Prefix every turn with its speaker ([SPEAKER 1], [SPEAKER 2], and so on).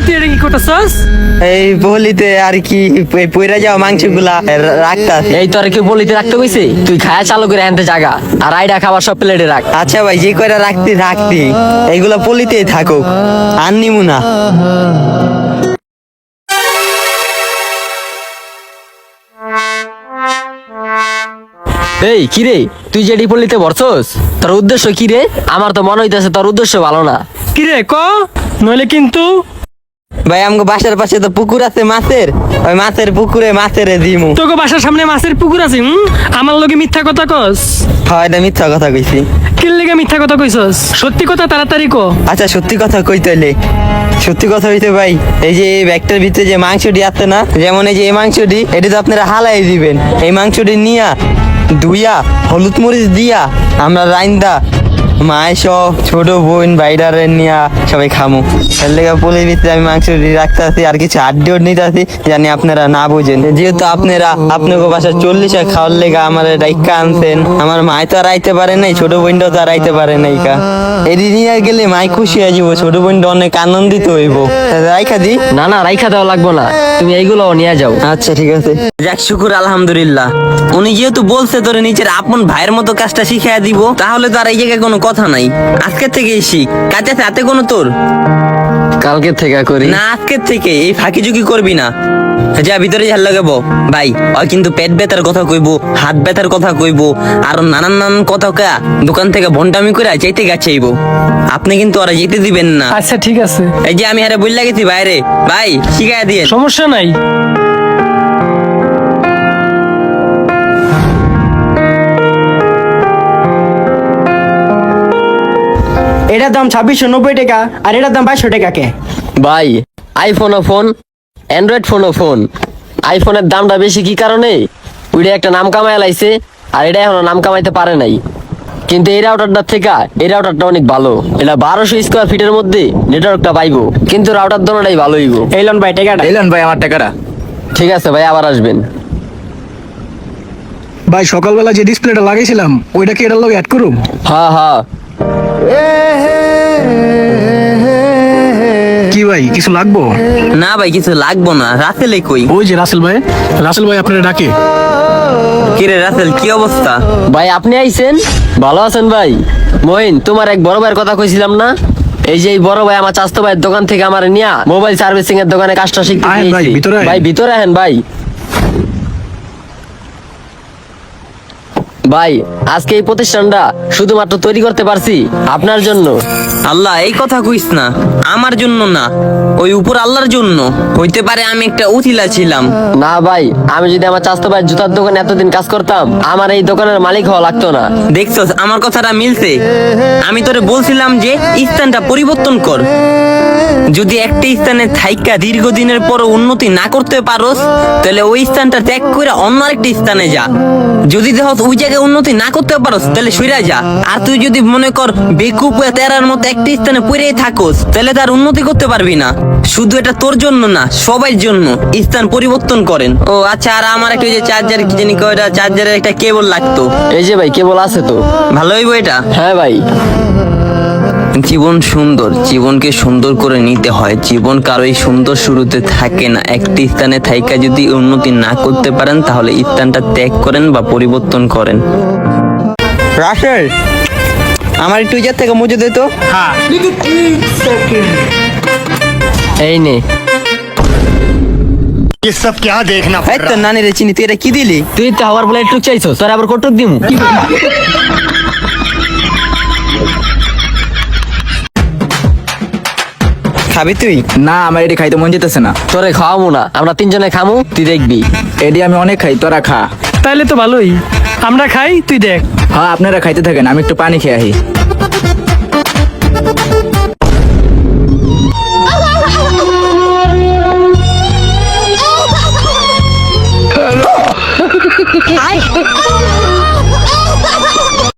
[SPEAKER 1] তুই এটা কি করতেছস?
[SPEAKER 2] এই বলিতে আর কি পইরা যাওয়া মাংসগুলা রাখতা।
[SPEAKER 3] এই তোর কি বলিতে রাখতে কইছে? তুই খায়া চালু করে আনতে জাগা আর আইডা খাবার সব প্লেটে রাখ।
[SPEAKER 2] আচ্ছা ভাই, যে কয়টা রাখতি এইগুলা পলিতেই থাকুক, আর নিমু না।
[SPEAKER 3] এই কি রে, তুই যে পলিতে ভরছস, তোর উদ্দেশ্য কি রে? আমার তো মনে হইতেছে তোর উদ্দেশ্য ভালো না।
[SPEAKER 1] কি রে ক, নইলে কিন্তু
[SPEAKER 2] ভাই আমাকে বাসার পাশে তো পুকুর আছে মাছের, ওই মাছের পুকুরে মাছের দিমু।
[SPEAKER 1] তোকে বাসার সামনে মাছের পুকুর আছে, আমার লগে মিথ্যা কথা কস?
[SPEAKER 2] হয় এটা মিথ্যা কথা কইছি।
[SPEAKER 1] কি লেগে মিথ্যা কথা কইছস? সত্যি কথা তাড়াতাড়ি ক।
[SPEAKER 2] আচ্ছা সত্যি কথা কইতেলে, সত্যি কথা হইতে ভাই, এই যে এই ব্যাগটার ভিতরে যে মাংসটি আছে না, যেমন এই যে এই মাংসটি, এটা তো আপনারা হালাই দিবেন। এই মাংসটি নিয়া ধুইয়া হলুদ মরিচ দিয়া আমরা রাইন্দা মায় সহ ছোট বোন বাইরারে নিয়া সবাই খামু। এর লেগে পুলির ভিতরে আমি মাংসটি রাখতে আছি, আর কিছু আড্ডিও নিতে আছি, জানি আপনারা না বুঝেন। যেহেতু আপনারা আপনাকে বাসা 40 খাওয়ার লেগে আমার ডাইকা আনছেন, আমার মায় তো আর আইতে পারে নাই, ছোট বোনটাও তো আর আইতে পারে নাই কা। এটি নিয়ে গেলে মাই খুশি হয়ে যাবো, ছোট বোনটা অনেক আনন্দিত হইব। রাইখা দি?
[SPEAKER 3] না না, রাইখা দেওয়া লাগবো না, তুমি এইগুলো নিয়ে যাও।
[SPEAKER 2] আচ্ছা ঠিক আছে। যাক শুকুর আলহামদুলিল্লাহ, উনি যেহেতু বলছে তোরে নিজের আপন ভাইয়ের মতো কাজটা শিখিয়ে দিব, তাহলে তো আর এই জায়গায় কোনো কথা নাই। আজকের থেকে শিখ, কাজে হাতে কোনো তোর
[SPEAKER 3] কালকে থেকে করি
[SPEAKER 2] না, আজকের থেকে এই ফাঁকি ঝুঁকি করবি না। যা ভিতরে ঝাল লাগাবো ভাই, ওই কিন্তু পেট ব্যথার কথা কইবো, হাত ব্যথার কথা কইবো, আর নানান কথা কা দোকান থেকে ভন্টামি করে চাইতে গাছাইবো। আপনি কিন্তু ওরা যেতে দিবেন না।
[SPEAKER 1] আচ্ছা ঠিক আছে,
[SPEAKER 2] এই যে আমি হারে বললা গেছি বাইরে, ভাই শিখাই দিয়ে।
[SPEAKER 1] সমস্যা নাই।
[SPEAKER 4] এটার দাম 2690 টাকা আর এটার দাম 2200 টাকা কে?
[SPEAKER 3] ভাই, আইফোনও ফোন, অ্যান্ড্রয়েড ফোনও ফোন। আইফোনের দামটা বেশি কি কারণে? ওইটা একটা নাম কামাই লাইছে, আর এটা এখনো নাম কামাইতে পারে নাই। কিন্তু এই রাউটারটা থেকে এই রাউটারটা অনেক ভালো। এটা 1200 স্কোয়ার ফিটের মধ্যে নেটওয়ার্কটা পাইবো, কিন্তু রাউটার দোনোটাই ভালো হইব।
[SPEAKER 4] এই লন ভাই টাকাটা।
[SPEAKER 5] এলেন ভাই আমার টাকাটা।
[SPEAKER 3] ঠিক আছে ভাই, আবার আসবেন।
[SPEAKER 6] ভাই সকালবেলা যে ডিসপ্লেটা লাগাইছিলাম ওইটা কি এটার লগে অ্যাড করুম?
[SPEAKER 3] হ্যাঁ হ্যাঁ।
[SPEAKER 6] কি ভাই কিছু লাগবো?
[SPEAKER 2] না ভাই কিছু লাগবো না। রাসেল কই?
[SPEAKER 6] ওই যে রাসেল ভাই আপনারা ডাকে।
[SPEAKER 2] কিরে রাসেল, কি অবস্থা?
[SPEAKER 3] ভাই আপনি আইছেন, ভালো আছেন ভাই? মহিন, তোমার এক বড় ভাইয়ের কথা কইছিলাম না, এই যে এই বড় ভাই আমার চাস্তো ভাইয়ের দোকান থেকে আমার নিয়া মোবাইল সার্ভিসিং এর দোকানে কাজটা শিখতে
[SPEAKER 6] আহেন ভাই,
[SPEAKER 3] দিয়েছি।
[SPEAKER 6] ভিতরে আহেন।
[SPEAKER 3] ভাই ভিতরে আহেন ভাই। ভাই আজকে এই প্রতিষ্ঠানটা শুধুমাত্র তৈরি করতে পারছি আপনার জন্য।
[SPEAKER 2] আল্লাহ, এই কথা কইস না, আমার জন্য না, ওই উপর আল্লাহর জন্য। হইতে পারে আমি একটা উথিলা ছিলাম।
[SPEAKER 3] না ভাই, আমি যদি আমার চাস্তো ভাইয়ের জুতার দোকানে এতদিন কাজ করতাম, আমার এই দোকানের মালিক হওয়া লাগতো না।
[SPEAKER 2] দেখছস আমার কথাটা মিলছে? আমি তোরে বলছিলাম যে স্থানটা পরিবর্তন কর। যদি একটা স্থানে থাইকা দীর্ঘদিনের পর উন্নতি না করতে পারোস, তাহলে ওই স্থানটা ত্যাগ করে অন্য আরেকটা স্থানে যা। যদি দেখ ওই জায়গায় উন্নতি না করতে পারোস, তাহলে সইরা যা। আর তুই যদি মনে কর বেকুব তেরার মতো একটা স্থানে পড়েই থাকোস, তাহলে তার উন্নতি করতে পারবি না। শুধু এটা তোর জন্য না, সবার জন্য স্থান পরিবর্তন করেন। ও আচ্ছা, আর আমার একটা যে চার্জার কি জানি কয়টা চার্জারের একটা কেবল লাগতো।
[SPEAKER 3] এই যে ভাই কেবল আছে তো।
[SPEAKER 2] ভালো হইব এটা?
[SPEAKER 3] হ্যাঁ ভাই।
[SPEAKER 2] জীবন সুন্দর, জীবনকে সুন্দর করে নিতে হয়। জীবন কারোই সুন্দর শুরুতে থাকে না। একটি স্থানে থাইকা যদি উন্নতি না করতে পারেন, তাহলে স্থানটা ত্যাগ করেন বা পরিবর্তন করেন। রাসেল, আমার একটু ইজার থেকে মুজে দে তো।
[SPEAKER 3] এই নে।
[SPEAKER 5] ये सब क्या देखना
[SPEAKER 2] এই তো নানি রে চিনি, তুই এটা কি দিলি?
[SPEAKER 3] তুই তো হওয়ার বলে একটু চাইছো, তোর আবার কটক দিমু।
[SPEAKER 2] খাবি তুই?
[SPEAKER 5] না, আমার এটি খাইতে মন যেতেছে না।
[SPEAKER 3] তোরে খাওয়াবো না, আমরা তিনজনে খামু, তুই দেখবি।
[SPEAKER 5] এটি আমি অনেক খাই, তোরা খা।
[SPEAKER 1] তাইলে তো ভালোই, আমরা খাই তুই দেখ।
[SPEAKER 5] হ্যাঁ আপনারা খাইতে থাকেন, আমি একটু পানি খেয়ে আহি।